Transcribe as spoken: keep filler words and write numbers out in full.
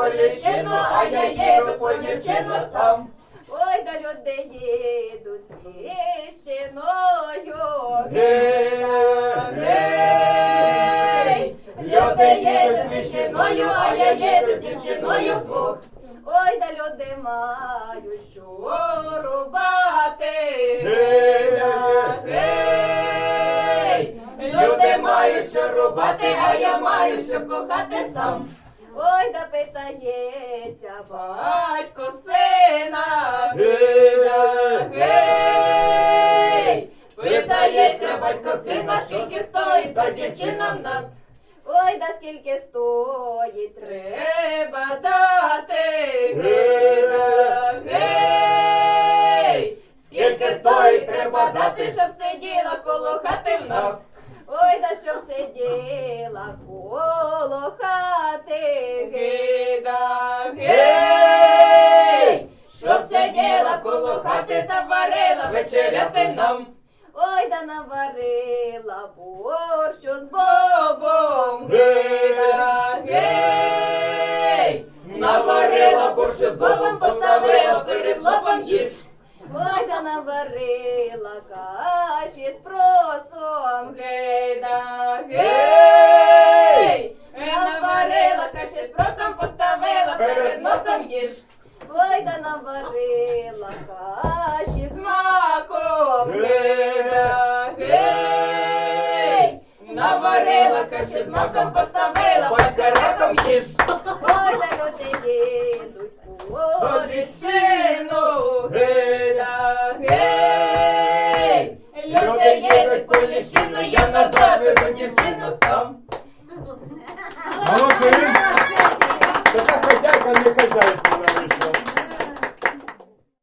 ліщину, а я їду по дівчину сам. Ой, да люди їдуть з ліщиною. Гей, гей, люди їдуть з ліщиною, а я їду з дівчиною вдвох. Ой, да люди мають що рубати. Гей, гей, люди мають що рубати, а я маю що кохати сам. Ой, да питається Батько сина, гей, гей, питається батько сина, скільки стоїть та дівчина в нас. ой, да скільки стоїть Треба дати, гей, гей, скільки стоїть треба дати, щоб сиділа коло хати в нас. Ой, да щоб сиділа коло хати. Гей, гей, щоб сиділа коло хати та варила вечеряти нам. Ой, да наварила борщу з бобом. Гей, гей, наварила борщу з бобом, поставила перед лобом їж. Ой, да наварила каші з просом. Гей, гей, наварила каші з просом, поставила перед носом їж. Ой, да наварила каші з маком. Гей, гей, наварила каші з маком, поставила батька раком їж. Ой, да люди їдуть по Ліщину, гей, гей, люди їдуть по ліщину, я назад везу дівчину сам. Молодець! Така хазяйка не хазяйка.